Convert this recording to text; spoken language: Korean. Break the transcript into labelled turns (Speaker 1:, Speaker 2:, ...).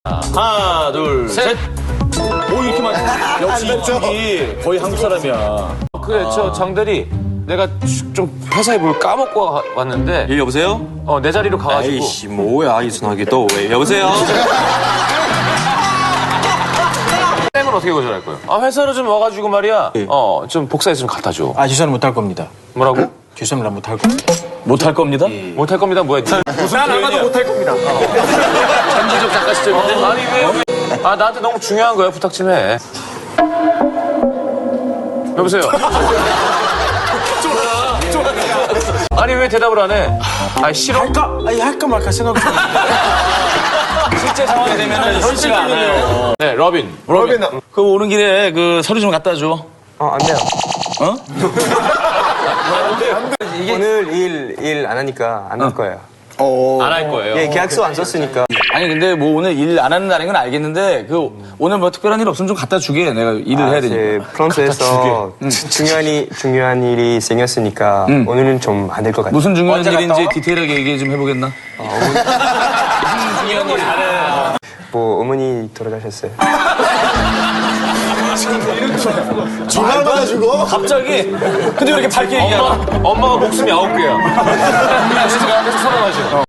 Speaker 1: 하나, 둘, 셋. 오, 이렇게 많아. 역시 이쪽이 거의 한국 사람이야.
Speaker 2: 그래, 저 장대리. 내가 좀 회사에 뭘 까먹고 왔는데.
Speaker 3: 예, 여보세요?
Speaker 2: 내 자리로 가가지고.
Speaker 3: 아이씨, 뭐야, 이 전화기 또 왜? 여보세요?
Speaker 2: 쌤은 어떻게 거절할 거예요? 회사로 좀 와가지고 말이야.
Speaker 3: 예.
Speaker 2: 좀 복사해서 좀 갖다 줘.
Speaker 4: 죄송합니다. 못할 겁니다.
Speaker 2: 뭐라고?
Speaker 4: 죄송합니다. 못할 겁니다.
Speaker 1: 못할 겁니다?
Speaker 2: 못할 겁니다. 뭐야? 무슨 난 아마도 못할 겁니다. 전지적 작가 시점인데. 아니, 왜 여기. 나한테 너무 중요한 거야. 부탁 좀 해. 여보세요? 아니, 왜 대답을 안 해? 싫어?
Speaker 4: 할까 말까 생각 중.
Speaker 1: 실제 상황이 되면 현실가 않아요.
Speaker 2: 네, 러빈.
Speaker 1: 그 오는 길에 그 서류 좀 갖다 줘.
Speaker 5: 안 돼요.
Speaker 1: 어?
Speaker 5: 오늘 일 안 하니까 안 할 거예요.
Speaker 2: 안 할 거예요.
Speaker 5: 예, 계약서 안 썼으니까.
Speaker 1: 아니 근데 뭐 오늘 일 안 하는 날인 건 알겠는데 그 오늘 뭐 특별한 일 없으면 좀 갖다 주게. 내가 일을 해야 되니까.
Speaker 5: 제 프랑스에서 중요한 일이 생겼으니까 오늘은 좀 안 될 것 같아요.
Speaker 1: 무슨 중요한 일인지 디테일하게 얘기 좀 해보겠나? 무슨 중요한 일?
Speaker 5: 뭐 어머니 돌아가셨어요.
Speaker 6: 전화를 받아주고
Speaker 1: 갑자기? 근데 왜 이렇게 밝게 얘기하나?
Speaker 2: 엄마가 목숨이 9개야. 계속 서러워하셔.